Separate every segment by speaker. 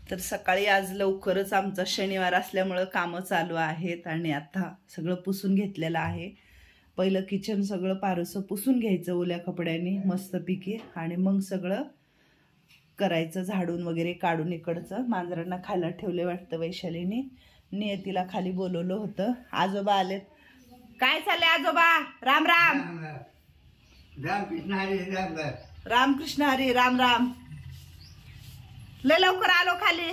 Speaker 1: तर सकाळी आज लवकरच आमचा शनिवार असल्यामुळं कामं चालू आहेत आणि आता सगळं पुसून घेतलेलं आहे. पहिलं किचन सगळं पारसं पुसून घ्यायचं ओल्या कपड्यांनी मस्तपैकी आणि मग सगळं करायचं, झाडून वगैरे काढून. इकडचं मांजरांना खायला ठेवले वाटतं वैशालीने. नियतीला खाली बोलवलं होतं. आजोबा आलेत. काय चाललंय आजोबा? राम राम.
Speaker 2: रामकृष्ण हरी राम.
Speaker 1: रामकृष्ण हरी राम राम. लय लवकर आलो खाली.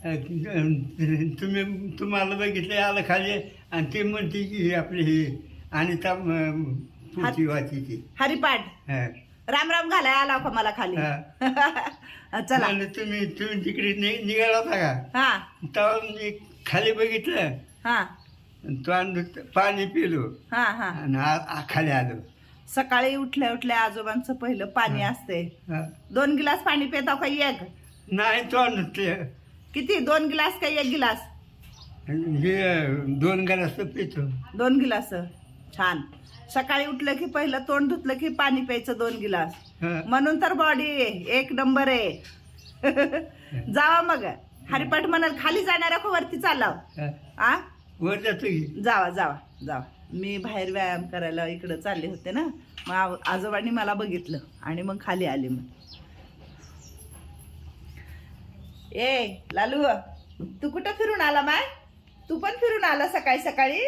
Speaker 2: तुम्हाला बघितलं आलं खाली आणि ते म्हणते की आपली ही अनिता पुढची वाचीची
Speaker 1: हरिपाठ राम राम घालाय आला का मला खाली? चला.
Speaker 2: तुम्ही तिकडे निघाला होता का?
Speaker 1: हा
Speaker 2: तेव्हा मी खाली बघितलं,
Speaker 1: हा
Speaker 2: पाणी पिलो
Speaker 1: हा हा.
Speaker 2: आणि खाली आलो.
Speaker 1: सकाळी उठल्या उठल्या आजोबांचं पहिलं पाणी असते. 2 गिलास पाणी पिता का एक?
Speaker 2: नाही
Speaker 1: किती? 2 गिलास का 1 गिलास?
Speaker 2: हे 2 ग्लास पितो.
Speaker 1: 2 गिलास. छान. सकाळी उठलं की पहिलं तोंड धुतलं की पाणी प्यायचं 2 गिलास. म्हणून तर बॉडी 1 नंबर आहे. जावा मग. हरिपाठ म्हणाल खाली जाणाऱ्या को वरती चालाव. आ
Speaker 2: वर जातो की
Speaker 1: जावा जावा जावा. मी बाहेर व्यायाम करायला इकडं चालले होते ना, मग आजोबांनी मला बघितलं आणि मग खाली आले. मग ए लालू, तू कुठं फिरून आला माय? तू पण फिरून आला सकाळी सकाळी?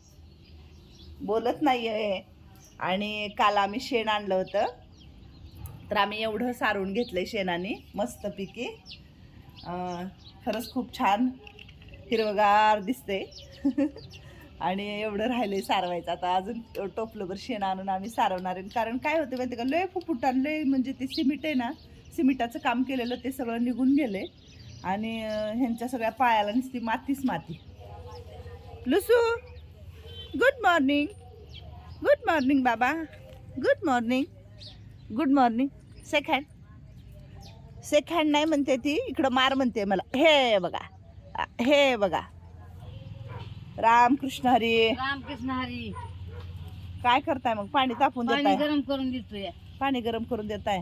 Speaker 1: बोलत नाहीये. आणि काल आम्ही शेण आणलं होतं, तर आम्ही एवढं सारून घेतलंय शेणाने मस्तपैकी. खरंच खूप छान हिरवगार दिसते. आणि एवढं राहिलंय सारवायचं. आता अजून टोपलंभर शेण आणून आम्ही सारवणार आहे. कारण काय होतं माहिती का, लय फुफुटान लय म्हणजे ते सिमेंट आहे ना, सिमेंटाचं काम केलेलं ते सगळं निघून गेले आणि ह्यांच्या सगळ्या पायाला नुसती मातीच माती. लुसू, गुड मॉर्निंग. गुड मॉर्निंग बाबा. Good morning. Good morning. Second second नाही म्हणते ती, इकडं मार म्हणते मला. हे बघा, हे बघा. रामकृष्ण हरी.
Speaker 3: रामकृष्ण हरी.
Speaker 1: काय करताय मग? पाणी तापून
Speaker 3: पाणी
Speaker 1: देताय?
Speaker 3: गरम करून देतोय.
Speaker 1: पाणी गरम करून देताय?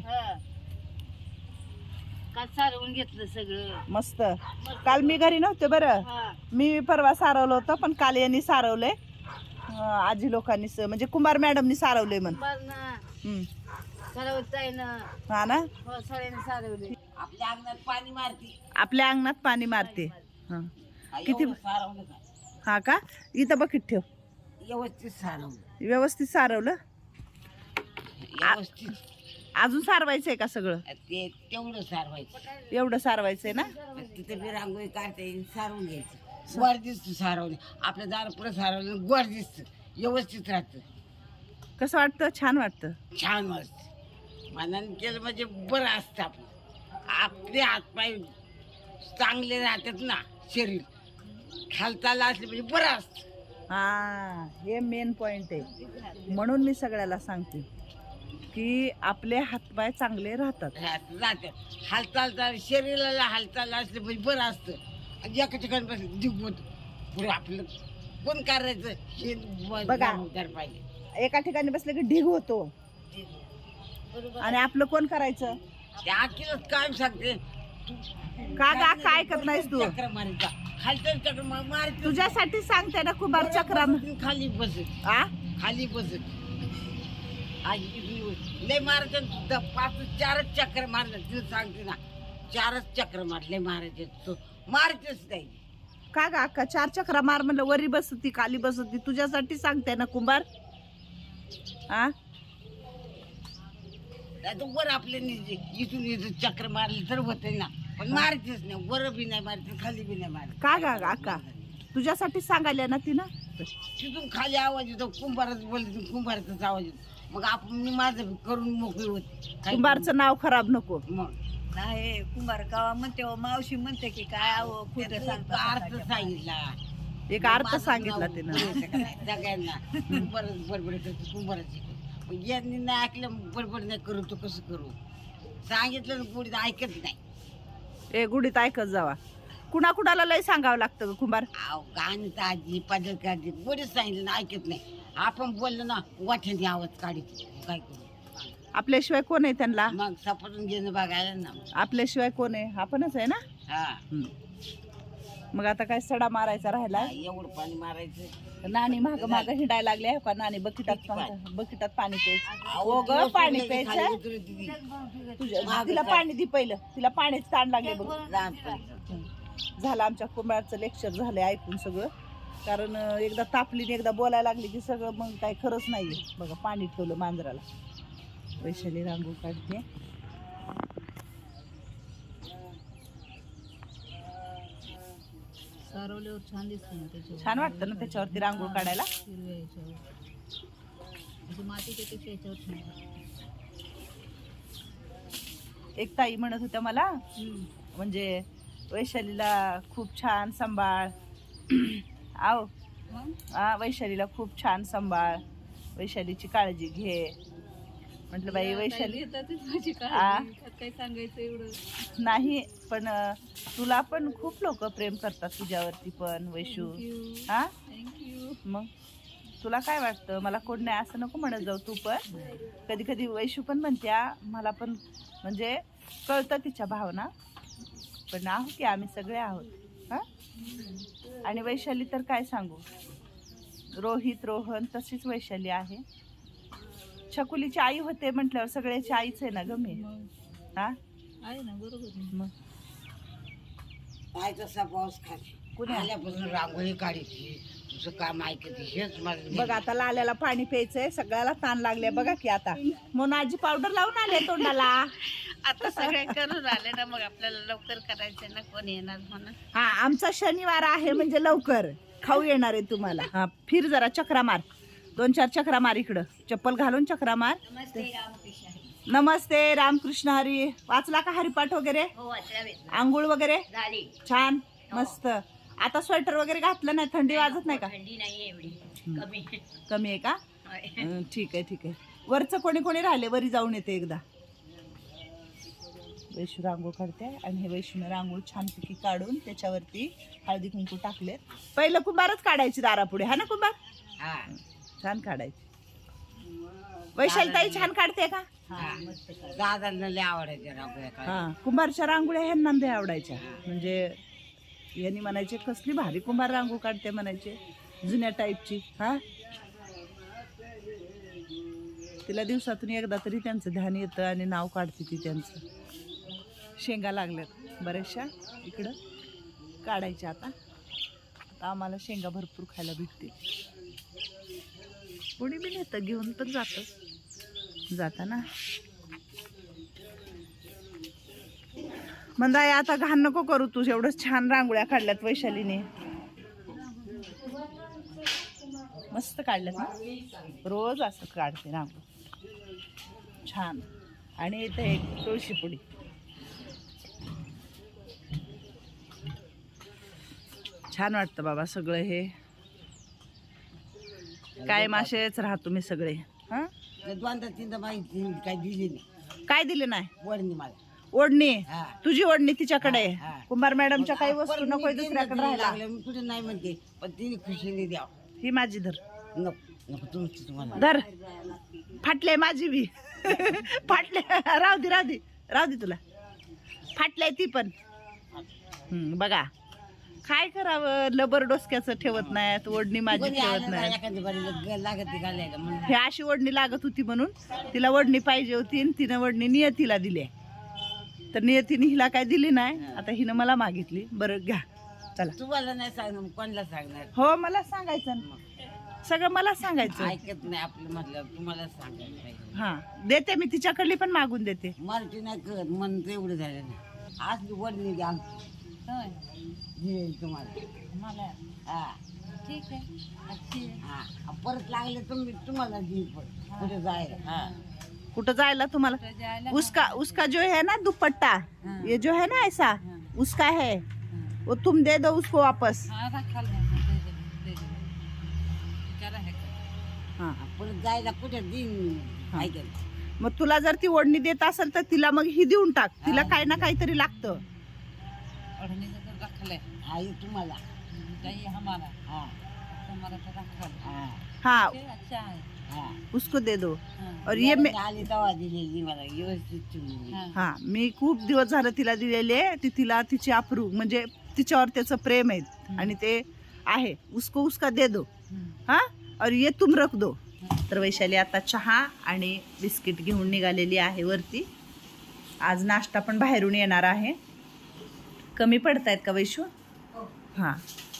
Speaker 3: काल सारवून घेतलं सगळं
Speaker 1: मस्त. काल मी घरी नव्हते बरं. मी परवा सारवलं होतं, पण काल यांनी सारवलंय. आजी लोकांनी म्हणजे कुंभार मॅडमनी सारवलंय म्हण. हा ना.
Speaker 3: सारवले. आपल्या अंगणात पाणी मारते.
Speaker 1: आपल्या अंगणात पाणी मारते. हा. किती? हा का? इथं बकेट ठेव.
Speaker 3: व्यवस्थित सारवलं.
Speaker 1: व्यवस्थित सारवलं.
Speaker 3: व्यवस्थित.
Speaker 1: अजून सारवायचंय का सगळं?
Speaker 3: ते तेवढं सारवायचं.
Speaker 1: एवढं सारवायचंय ना.
Speaker 3: तिथे बी रांगोळी काढते, सारवून घ्यायचं. गोड दिसतं सारवलं. आपल्या दारापुढे सारवलं गोड दिसतं, व्यवस्थित राहतं.
Speaker 1: कसं वाटतं? छान वाटतं.
Speaker 3: छान वाटतं. मनाने केलं म्हणजे बरं असतं. आपले हातपाय चांगले राहतात ना, शरीर हालचाल असले म्हणजे बरं असतं.
Speaker 1: हा, हे मेन पॉइंट आहे. म्हणून मी सगळ्याला सांगते की आपले हातपाय चांगले राहतात.
Speaker 3: हालचाल शरीराला हालचाल असले म्हणजे बरं असतं. आणि एका ठिकाणी बसलं दिवत पुढे आपलं कोण करायचं हे
Speaker 1: बघा.
Speaker 3: पाहिजे.
Speaker 1: एका ठिकाणी बसले की ढीग होतो आणि आपलं कोण करायचं?
Speaker 3: त्या आखीलच काय सांगते,
Speaker 1: का गा काय करत नाहीस तू?
Speaker 3: चक्र मारायचा, खालचं चक्र मार.
Speaker 1: तुझ्यासाठी सांगते ना कुंभार चक्रा.
Speaker 3: खाली बसत. खाली बसत. लय मारायचं. 4च चक्र मारलं. तिला सांगते ना, 4च चक्र मारले. मारायचे तो मारायचंच नाही.
Speaker 1: का गा अक्का 4 चक्रा मार म्हणलं? वरी बसती खाली बसती. तुझ्यासाठी सांगते ना कुंभार. आ
Speaker 3: वर आपल्या इथून चक्र मारले तर होते ना, पण मारायचेच नाही. वर बी नाही मारायचं, खाली बी नाही मारायचं.
Speaker 1: का गा अक्का तुझ्यासाठी सांगायला ना तिनं.
Speaker 3: तिथून खाली आवाज येतो, कुंभारच बोलते, कुंभारचाच आवाज येतो. मग आपण मी माझं करून मोकळी होते.
Speaker 1: कुंभारचं नाव खराब नको.
Speaker 3: मग
Speaker 4: नाही कुंभार कावा म्हणते, मावशी म्हणते की काय खोटं
Speaker 3: अर्थ सांगितला.
Speaker 1: एक अर्थ सांगितला तिनं
Speaker 3: सगळ्यांना. कुंभारच बडबड करतो, कुंभाराची. यांनी नाही ऐकलं, बडबड नाही करू तो कसं करू? सांगितलं ना कोणी ऐकत नाही.
Speaker 1: ए गुढीत ऐकत जावा. कुणाकुणाला लय सांगावं लागतं ग कुंभार.
Speaker 3: गाणं आजी पाजल काढते, कोणीच सांगितलं ना ऐकत नाही. आपण बोललो ना वाट्याने आवाज काढतो. काय करू?
Speaker 1: आपल्याशिवाय कोण आहे त्यांना?
Speaker 3: मग सपाटून घेणं बघायला ना.
Speaker 1: आपल्याशिवाय कोण आहे? आपणच आहे ना.
Speaker 3: हा
Speaker 1: मग आता काय सडा मारायचा राहिला.
Speaker 3: एवढं पाणी मारायचं.
Speaker 1: नानी माग माग हिंडायला लागले का नानी बकेटात पाणी प्यायचं. हो ग
Speaker 3: दिवस
Speaker 1: पाणी
Speaker 3: पडले की खाली
Speaker 1: प्यायचं.
Speaker 3: उतरत होती.
Speaker 1: तुझ्या तिला पाणी दे पहिलं. तिला पाण्याच ताण लागले बघ.
Speaker 3: लहानपणी.
Speaker 1: झालं आमच्या कुंभारचं लेक्चर झालंय ऐकून सगळं. कारण एकदा तापली आणि एकदा बोलायला लागली की सगळं मग काय खरंच नाहीये. बघा पाणी ठेवलं मांजराला. वैशाली रांगोळी काढते.
Speaker 4: सारवल्यावर छान दिसतं ना त्याच्यावर.
Speaker 1: छान वाटतं ना त्याच्यावरती रांगोळ काढायला.
Speaker 4: हिरव्या याच्यावर म्हणजे मातीच्या पेक्षा याच्यावर छान वाटतं.
Speaker 1: एक ताई म्हणत होत्या मला म्हणजे वैशालीला खूप छान सांभाळ. आव वैशालीला खूप छान सांभाळ. वैशालीची काळजी घे. म्हटलं बाई वैशाली
Speaker 4: माझी काळजी. काय सांगायचं एवढं
Speaker 1: नाही पण तुला पण खूप लोक प्रेम करतात तुझ्यावरती पण वैशू. हा
Speaker 4: थँक्यू.
Speaker 1: मग तुला काय वाटतं मला कोण नाही असं नको म्हणत जाऊ तू पण. कधी कधी वैशू पण म्हणत्या मला पण म्हणजे कळतं तिच्या भावना. पण आहो की आम्ही सगळे आहोत. हा आणि वैशाली तर काय सांगू. रोहित रोहन तशीच वैशाली आहे. छकुलीची आई होते म्हटल्यावर सगळ्याची आईच आहे ना ग मी. हा
Speaker 4: आहे ना बरोबर आहे.
Speaker 1: मग
Speaker 3: काय तसा पाऊस खाली
Speaker 1: कुणी
Speaker 3: आल्यापासून रांगोळी काढायची तुझं काम ऐकते हेच मला.
Speaker 1: बघ आता लाल्याला पाणी प्यायचंय. सगळ्याला ताण लागले बघा की आता. मोनाजी पावडर लावून आले तोंडाला.
Speaker 4: आता सगळे करून आले ना मग आपल्याला लवकर करायचं ना कोण येणार म्हणून.
Speaker 1: हा आमचा शनिवार आहे म्हणजे लवकर खाऊ येणार आहे तुम्हाला. हा फिर जरा चक्रा मार. 2-4 चक्रा मार इकडं. चप्पल घालून चक्रा मार. नमस्ते रामकृष्ण हरी. वाचला का हरिपाठ वगैरे. आंघोळ वगैरे छान मस्त. आता स्वेटर वगैरे घातलं नाही. थंडी वाजत नाही का. कमी आहे का. ठीक आहे ठीक आहे. वरचं कोणी कोणी राहिले वरी जाऊन येते एकदा. वैशू रांगोळ काढते आणि हे वैशूने रांगोळ छानपैकी काढून त्याच्यावरती हळदी कुंकू टाकले. पहिलं कुंभारच काढायची दारापुढे. हा ना कुंभार
Speaker 3: हा
Speaker 1: छान काढायची. वैशाली ताई छान काढते का.
Speaker 3: दादांना लय आवडायच्या रांगोळ्या काढायला.
Speaker 1: हा कुंभारच्या रांगोळ्या ह्यांना लय आवडायच्या. म्हणजे यांनी म्हणायचे कसली भारी कुंभार रांगोळ काढते म्हणायचे जुन्या टाईपची. हा तिला दिवसातून एकदा तरी त्यांचं ध्यान येतं आणि नाव काढते ती त्यांचं. शेंगा लागल्यात बऱ्याचशा इकडं काढायच्या. आता आम्हाला शेंगा भरपूर खायला भेटतील. कोणी बी नेतं घेऊन पण जाताना. मंदाय आता घाण नको करू तू. एवढंच छान रांगोळ्या काढल्यात वैशालीने. मस्त काढल्यात ना. रोज असं काढते रांगोळी छान. आणि इथे एक तुळशी पुडी. छान वाटतं बाबा सगळं हे. कायम असेच राहा तुम्ही सगळे. हा
Speaker 3: 2-3 माहिती काही दिली नाही.
Speaker 1: काय दिले नाही.
Speaker 3: वडणी मला
Speaker 1: ओढणी.
Speaker 3: हा.
Speaker 1: तुझी ओढणी तिच्याकडे आहे.
Speaker 3: हा.
Speaker 1: कुंभार मॅडमच्या काही
Speaker 3: परत
Speaker 1: वस्तू
Speaker 3: मी
Speaker 1: नको
Speaker 3: देईन ना,
Speaker 1: दुसऱ्याकडे
Speaker 3: तिने
Speaker 1: राहायला.
Speaker 3: लागलं मी कुठे नाही म्हणते पण तिने खुशीने द्यावं.
Speaker 1: ही माझी धर.
Speaker 3: नको नको तुमची तुम्हाला.
Speaker 1: धर फाटले माझी बी. फाटले राहू दे तुला. फाटले ती पण. बघा काय करावं. लबर डोसक्याचं ठेवत नाहीत. ओढणी माझी
Speaker 3: कोणी
Speaker 1: ठेवत
Speaker 3: आलं ना
Speaker 1: नाही.
Speaker 3: एखाद्या बारीला लागत ती घालायला म्हणून.
Speaker 1: हे अशी ओढणी लागत होती म्हणून तिला ओढणी पाहिजे होती आणि तिनं ओढणी नियतीला दिली. तर नियतीने हिला काय दिली नाही. आता हिनं मला मागितली. बरं घ्या चला.
Speaker 3: तुम्हाला नाही सांगणार कोणाला सांगणार.
Speaker 1: हो मला सांगायचं ना. सगळं मला सांगायचं.
Speaker 3: ऐकत नाही आपलं म्हटलं तुम्हाला सांगायला पाहिजे.
Speaker 1: हा देते मी तिच्याकडली पण मागून देते.
Speaker 3: मराठी नाही कळत मन एवढं झालं नाही. आज वडणी द्या दिली तुम्हाला.
Speaker 4: मला
Speaker 3: हा
Speaker 4: ठीक आहे. अच्छी आहे.
Speaker 3: हा परत लागले तुम्हाला देईल पण कुठे जायला. हा
Speaker 1: कुठं जायला तुम्हाला.
Speaker 4: तर जायला
Speaker 1: उसका जो है ना दुपट्टा
Speaker 4: हाँ।
Speaker 1: ये जो है ना ऐसा उसका है वो तुम दे दो उसको वापस.
Speaker 4: हा रखा दे दे. विचारा है का.
Speaker 1: हा
Speaker 3: परत जायला कुठे देईन
Speaker 1: हा.
Speaker 3: ऐकत.
Speaker 1: मग तुला जर ती ओढणी देत असेल तर तिला मग ही देऊन टाक. तिला काही ना काहीतरी लागतं.
Speaker 4: ओढ़नी तो रख ले.
Speaker 3: आई तुम्हाला.
Speaker 4: चाहिए हमारा
Speaker 3: हा
Speaker 4: हमारा तो रखा ले.
Speaker 3: हा
Speaker 1: हाँ
Speaker 4: अच्छा है।
Speaker 3: हाँ
Speaker 1: उसको दे दो.
Speaker 4: हाँ.
Speaker 1: और ये मैं
Speaker 3: आली तवा दिलेली मला व्यवस्थित ठेवली.
Speaker 4: हाँ.
Speaker 1: हा मी खूप दिवस झालं तिला दिलेले. ती तिला तिची अप्रू म्हणजे तिच्यावर त्याचं प्रेम आहे आणि ते आहे. उसको उसका दे दो. हा और ये तुम रख दो. तर वैशाली आता चहा आणि बिस्किट घेऊन निघालेली आहे वरती. आज नाश्ता पण बाहेरून येणार आहे. कमी पडतायत का वैशू? हां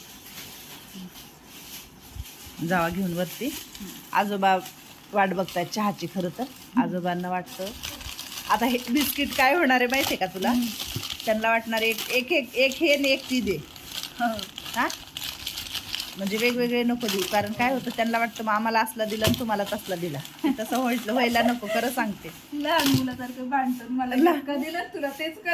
Speaker 1: जावा घेऊन वरती. आजोबा वाट बघतायत चहाची. खरं तर आजोबांना वाटतं आता हे बिस्किट काय होणार आहे माहिती आहे का तुला? त्यांना वाटणार एक एक एक एक हे आणि एक ती दे. हां म्हणजे वेगवेगळे नको देऊ. कारण काय होतं त्यांना वाटतं मग आम्हाला असला दिला आणि तुम्हाला तसला दिला. तसं व्हायला नको. खरं सांगते.
Speaker 5: लहान मुलासारखं भांडतात. मला का दिलं तुला तेच का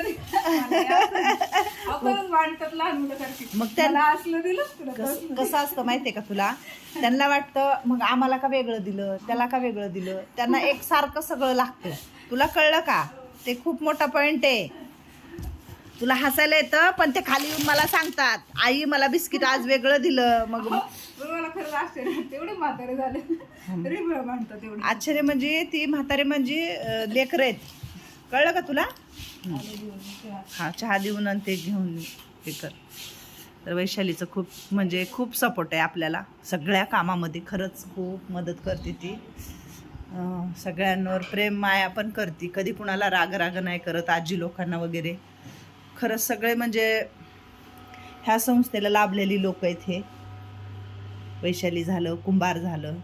Speaker 5: आपण भांडतात लहान मुलासारखी.
Speaker 1: मग त्या
Speaker 5: मला असलं दिलं तुला तसलं.
Speaker 1: कसं असतं माहितीये का तुला? त्यांना वाटतं मग आम्हाला का वेगळं दिलं, त्याला का वेगळं दिलं. त्यांना एकसारखं सगळं लागतं. तुला कळलं का? ते खूप मोठा पॉइंट आहे. तुला हसायला येतं पण ते खाली येऊन मला सांगतात आई मला बिस्किट आज वेगळं दिलं. मग
Speaker 5: पण मला खरंच आश्चर्य वाटतं. एवढे म्हातारे झाले तरी मला भांडतात एवढे.
Speaker 1: आश्चर्य म्हणजे ती म्हातारे म्हणजे लेकरं आहेत. कळलं का तुला? हा चहा देऊन आणि ते घेऊन हे कर. तर वैशालीचं खूप म्हणजे खूप सपोर्ट आहे आपल्याला सगळ्या कामामध्ये. खरंच खूप मदत करते ती. सगळ्यांवर प्रेम माया पण करते. कधी कुणाला राग नाही करत. आजी लोकांना वगैरे खरंच सगळे म्हणजे ह्या संस्थेला लाभलेली लोक आहेत. हे वैशाली झालं, कुंभार झालं,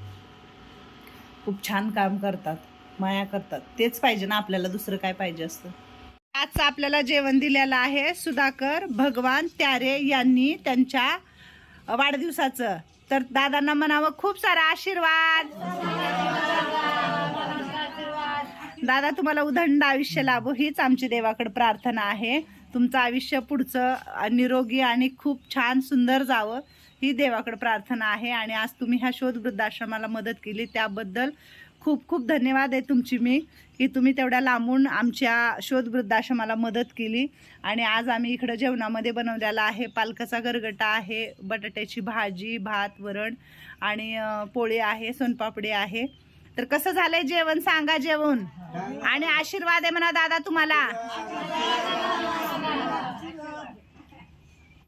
Speaker 1: खूप छान काम करतात, माया करतात. तेच पाहिजे ना आपल्याला. दुसरं काय पाहिजे असतं. आजचं आपल्याला जेवण दिलेलं आहे सुधाकर भगवान त्यारे यांनी त्यांच्या वाढदिवसाचं. तर दादांना म्हणावं खूप सारा आशीर्वाद. दादा तुम्हाला उदंड आयुष्य लाभो हीच आमची देवाकडे प्रार्थना आहे. तुमचं आयुष्य पुढचं निरोगी आणि खूप छान सुंदर जावं ही देवाकडे प्रार्थना आहे. आणि आज तुम्ही ह्या शोध वृद्धाश्रमाला मदत केली त्याबद्दल खूप खूप धन्यवाद आहे तुमची. मी की तुम्ही तेवढ्या लांबून आमच्या शोध वृद्धाश्रमाला मदत केली. आणि आज आम्ही इकडं जेवणामध्ये बनवलेला आहे पालकाचा गरगटा आहे, बटाट्याची भाजी, भात, वरण आणि पोळी आहे, सोनपापडी आहे. तर कसं झालंय जेवण सांगा जेवण. आणि आशीर्वाद आहे म्हणा दादा तुम्हाला.